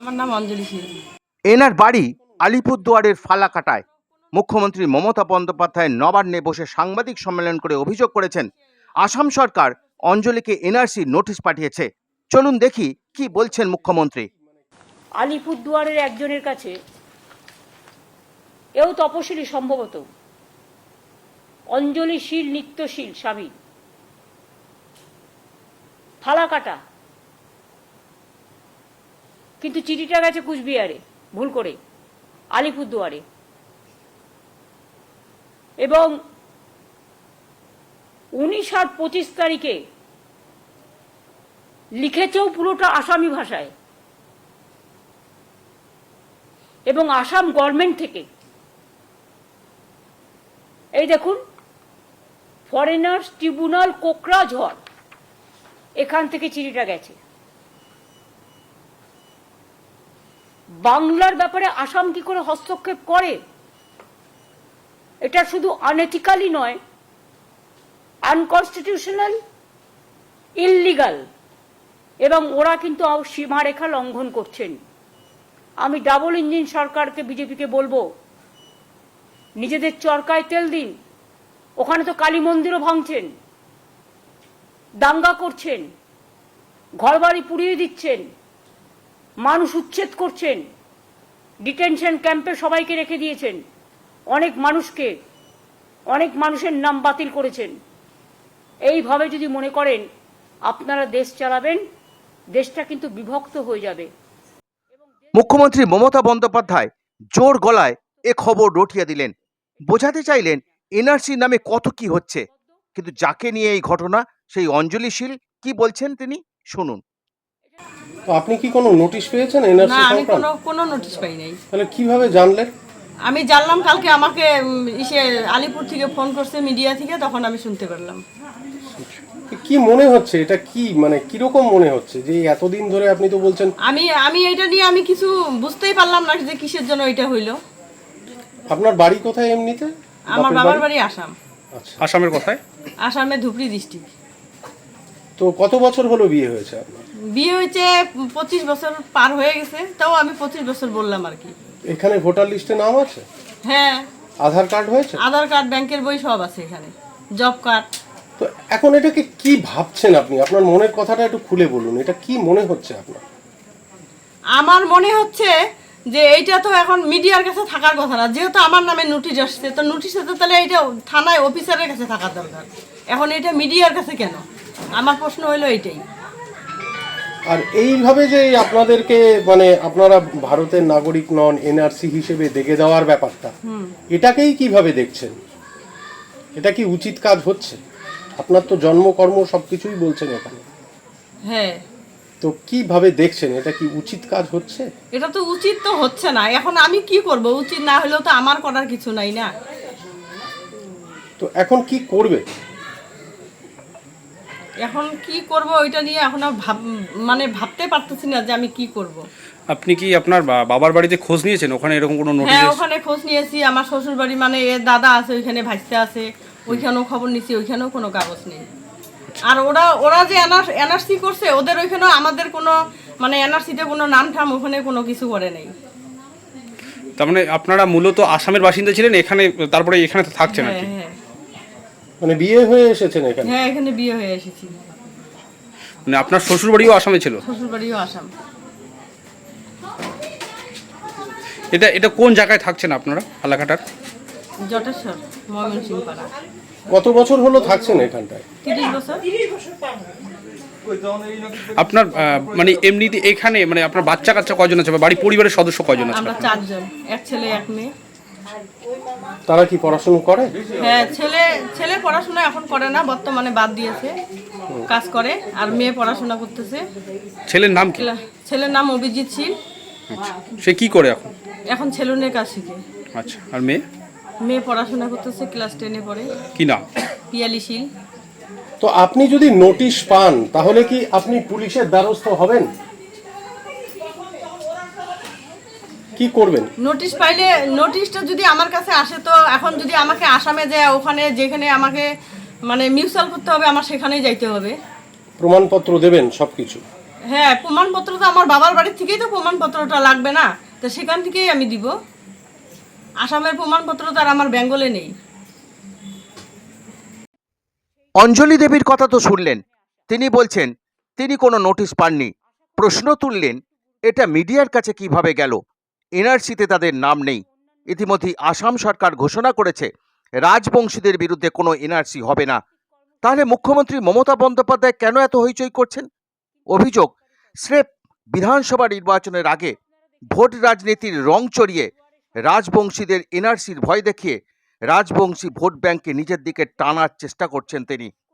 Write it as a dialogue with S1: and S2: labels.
S1: আমার নাম অঞ্জলি শীল।
S2: এনার বাড়ি আলিপুরদুয়ারের ফালাকাটায়। মুখ্যমন্ত্রী মমতা বন্দ্যোপাধ্যায় নবান্নে বসে সাংবাদিক সম্মেলন করে অভিযোগ করেছেন আসাম সরকার অঞ্জলিকে এনআরসি নোটিশ পাঠিয়েছে। চলুন দেখি কি বলছেন মুখ্যমন্ত্রী।
S3: আলিপুরদুয়ারের একজনের কাছে এও তপশিলি সম্ভবত অঞ্জলি শীল নিত্যশীল স্বামী ফালাকাটা, কিন্তু চিঠিটা গেছে কুচবিহারে ভুল করে আলিপুরদুয়ারে, এবং 19 আর 25 তারিখে লিখেছেও পুরোটা আসামি ভাষায়, এবং আসাম গভর্নমেন্ট থেকে এই দেখুন ফরেনার্স ট্রিব্যুনাল কোকরাঝড়, এখান থেকে চিঠিটা গেছে। বাংলার ব্যাপারে আসাম কি করে হস্তক্ষেপ করে? এটা শুধু আনএথিক্যালি নয়, আনকনস্টিটিউশনাল, ইললিগাল, এবং ওরা কিন্তু সীমারেখা লঙ্ঘন করছেন। আমি ডাবল ইঞ্জিন সরকারকে, বিজেপিকে বলবো, নিজেদের চরকায় তেল দিন। ওখানে তো কালী মন্দিরও ভাঙছেন, দাঙ্গা করছেন, ঘরবাড়ি পুড়িয়ে দিচ্ছেন, মানুষ উচ্ছেদ করছেন, ডিটেনশন ক্যাম্পে সবাইকে রেখে দিয়েছেন, অনেক মানুষের নাম বাতিল করেছেন। এইভাবে যদি মনে করেন আপনারা দেশ চালাবেন, দেশটা কিন্তু বিভক্ত হয়ে যাবে।
S2: মুখ্যমন্ত্রী মমতা বন্দ্যোপাধ্যায় জোর গলায় এ খবর রটিয়ে দিলেন, বোঝাতে চাইলেন এনআরসি নামে কত কি হচ্ছে, কিন্তু যাকে নিয়ে এই ঘটনা সেই অঞ্জলি শীল কি বলছেন তিনি শুনুন।
S4: তো আপনি কি কোনো নোটিশ পেয়েছেন এনআরসি
S1: না, আমি
S4: সংক্রান্ত?
S1: কোনো নোটিশ পাই নাই।
S4: তাহলে কিভাবে জানলেন?
S1: আমি জানলাম কালকে আমাকে আলিপুর থেকে ফোন করছে, মিডিয়া থেকে, তখন আমি শুনতে পারলাম।
S4: কি মনে হচ্ছে এটা, কি মানে কিরকম মনে হচ্ছে যে এতদিন ধরে আপনি তো বলছেন?
S1: আমি এটা নিয়ে আমি কিছু বুঝতেই পারলাম না যে কিসের জন্য এটা হইলো।
S4: আপনার বাড়ি কোথায় এমনিতে?
S1: আমার বাবার বাড়ি আসাম।
S4: আচ্ছা,
S5: আসামের কোথায়?
S1: আসামে ধুবড়ি ডিস্ট্রিক্ট।
S4: তো কত বছর হলো বিয়ে হয়েছে আপনার?
S1: বিয়ে হয়েছে 25 বছর পার হয়ে গেছে, তাও আমি 25 বছর বললাম আর কি।
S4: এখানে ভোটার লিস্টে নাম আছে?
S1: হ্যাঁ,
S4: আধার কার্ড হয়েছে?
S1: আধার কার্ড, ব্যাংকের বই সব আছে এখানে, জব কার্ড।
S4: তো এখন এটাকে কি ভাবছেন আপনি? আপনার মনের কথাটা একটু খুলে বলুন, এটা কি মনে হচ্ছে আপনার?
S1: আমার মনে হচ্ছে যে এইটা তো এখন মিডিয়ার কাছে থাকার কথা না, যেহেতু আমার নামে নোটিশ আসছে, তো নোটিশে তো তাহলে এইটা থানায় অফিসারের কাছে থাকার দরকার, এখন এটা মিডিয়ার কাছে কেন? আমার প্রশ্ন হলো এইটাই।
S4: আর এইভাবে যে আপনাদেরকে মানে আপনারা ভারতের নাগরিক নন, এনআরসি হিসেবে দেখে দেওয়ার ব্যাপারটা, এটাকেই কিভাবে দেখছেন? এটা কি উচিত কাজ হচ্ছে? আপনার তো জন্মকর্ম সবকিছুই বলছেন এখানে,
S1: হ্যাঁ,
S4: তো কিভাবে দেখছেন? এটা কি উচিত কাজ হচ্ছে?
S1: এটা তো উচিত তো হচ্ছে না। এখন আমি কি করব? উচিত না হলেও তো আমার করার কিছু নাই না।
S4: তো এখন কি করবে?
S1: এখন কি করব ওইটা নিয়ে এখন ভাবতে পারতেছি না যে আমি কি করব।
S5: আপনি কি আপনার বাবার বাড়িতে খোঁজ নিয়েছেন? ওখানে এরকম কোনো নোটিশ?
S1: হ্যাঁ, ওখানে খোঁজ নিয়েছি। আমার শ্বশুর বাড়ি মানে এর দাদা আছে ওইখানে, ভাইস্তে আছে, ওইখানেও খবর নিয়েছি, ওইখানেও কোনো কাগজ নেই। আর ওরা যে এনআরসি করছে, ওদের ওইখানেও আমাদের কোনো মানে এনআরসিতে কোনো নাম ঠাম ওখানে কোনো কিছু করে নেই।
S5: তার মানে আপনারা মূলত আসামের বাসিন্দা ছিলেন, এখানে তারপরে এখানে তো থাকছেন আর
S1: হ্যাঁ,
S5: কি?
S1: হ্যাঁ,
S4: মানে বিয়ে হয়ে এসেছেন এখানে?
S1: হ্যাঁ, এখানে বিয়ে হয়ে এসেছি।
S5: মানে আপনার শ্বশুর বাড়িও আসামে ছিল?
S1: শ্বশুর বাড়িও আসাম।
S5: এটা কোন জায়গায় থাকছেন আপনারা ফালাকাটার?
S1: জটেশ্বর, ময়মনসিংহ পাড়া।
S4: কত বছর হলো থাকছেন এখানটায়?
S1: 30 বছর।
S5: আপনার মানে এমনিতে এখানে মানে আপনার বাচ্চা কাচ্চা কয়জন আছে, বা বাড়ির পরিবারের সদস্য কয়জন আছে?
S1: আমরা 4 জন, এক ছেলে এক মেয়ে।
S4: তারা কি পড়াশোনা করে?
S1: হ্যাঁ, ছেলে পড়াশোনা এখন করে না, বর্তমানে বাদ দিয়েছে, কাজ করে। আর মেয়ে পড়াশোনা করতেছে।
S5: ছেলের নাম কি?
S1: ছেলের নাম অভিজিৎ শীল।
S5: সে কি করে এখন?
S1: এখন সেলুনের কাজ শিখে।
S5: আচ্ছা, আর মেয়ে?
S1: মেয়ে পড়াশোনা করতেছে, ক্লাস 10-এ পড়ে।
S5: কি নাম?
S1: পিয়ালি শীল।
S4: তো আপনি যদি নোটিশ পান তাহলে কি আপনি পুলিশের দ্বারস্থ হবেন? কি করবেন?
S1: নোটিশ পাইলে, নোটিশটা যদি আমার কাছে আসে, তো এখন যদি আমাকে আসামে যায়, ওখানে যেখানে আমাকে মানে মিউচুয়াল করতে হবে, আমার সেখানেই যাইতে হবে।
S4: প্রমাণপত্র দেবেন সবকিছু?
S1: হ্যাঁ, প্রমাণপত্র তো আমার বাবার বাড়ির থেকেই তো প্রমাণপত্রটা লাগবে না, তো সেখান থেকেই আমি দিব। আসামের প্রমাণপত্র তো আর আমার বেঙ্গলে নেই।
S2: অঞ্জলি দেবীর কথা তো শুনলেন, তিনি বলছেন তিনি কোনো নোটিশ পাননি। প্রশ্ন তুললেন এটা মিডিয়ার কাছে কিভাবে গেল, এনআরসিতে তাদের নাম নেই। ইতিমধ্যেই আসাম সরকার ঘোষণা করেছে রাজবংশীদের বিরুদ্ধে কোনো এনআরসি হবে না। তাহলে মুখ্যমন্ত্রী মমতা বন্দ্যোপাধ্যায় কেন এত হইচই করছেন? অভিযোগ, স্রেফ বিধানসভা নির্বাচনের আগে ভোট রাজনীতির রং চড়িয়ে রাজবংশীদের এনআরসির ভয় দেখিয়ে রাজবংশী ভোট ব্যাংককে নিজের দিকে টানার চেষ্টা করছেন তিনি।